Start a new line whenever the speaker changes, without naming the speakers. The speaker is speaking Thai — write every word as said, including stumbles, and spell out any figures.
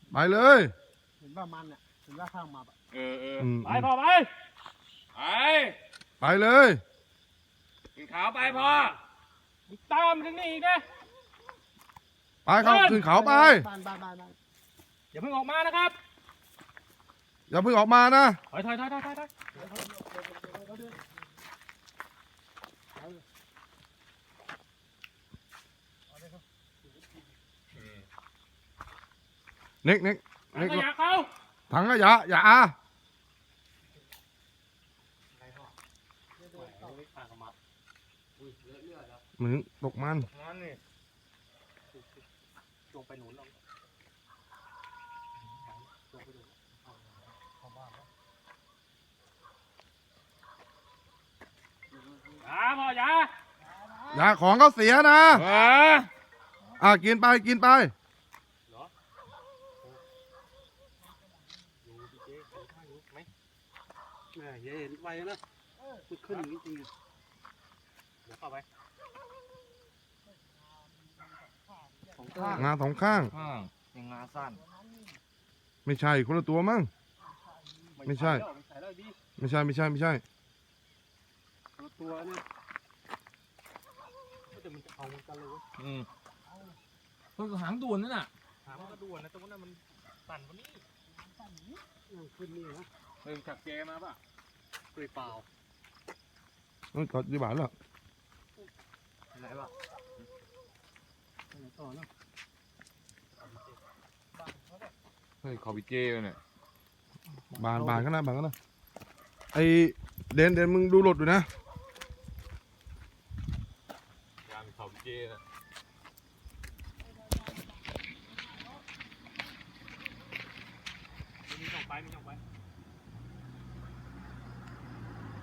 ไปเลย
เห็นว่ามันเนี่ยเห็นว่าข้างมาปะ
เออเออ
อืม
ไปพ่อไปไป
ไปเลย
ขึ้นเขาไปพ่อตามถึงนี่อีกนะ
ไปครับขึ้นเขาไป
บ้านบ้านบ้านบ้าน
อย่าเพิ่งออกมานะครับ
อย่าเพิ่งออกมานะ
ถอยถอยถอยถอยถอยถอย
เน็กเน็ก
ถั
เน็
ง
ก
ขยะเขา
ถังขยะอย่าอา เหมือนตกมัน
นั่นนี่
ลงไปหนุนลง
อย่าพ่ออย่า
อย่าของเขาเสียนะ
เออ
อ่ะกินไปกินไป
แหมอย่าเห็นไวนะมันขึ้นอย่างนี้จริง
เดี๋ยวเข้าไป
ของข้าง
งาสองข้าง
ข้างยังงาสั้น
ไม่ใช่คนละตัวมั้ง ไม่ใช่
ไม่ใช่แล้วดิ
ไม่ใช่ไม่ใช่ไม่ใช่
ตัวเนี่ยแต่มันจะเอามันกันเลย
อืมต้นหางด่วนนั่นน่ะหางมันก็ด่วนนะตรงนั้นมันสั่นกว่านี้
ขึ้นนี่นะ
เริ่มจับแกมาป่ะ
เปล่าเปล่า
ต้องกดยี่บาทแล้ว
ไหนป่ะ
ไหนต่อเนาะ
เฮ้ยขอบิเจเลยเนี่ย
บานบานก็นะบานก็นะไอเดนเดนมึงดูรถดูนะ
ยามขอบิเจนะมีช่องไปมีช่องไป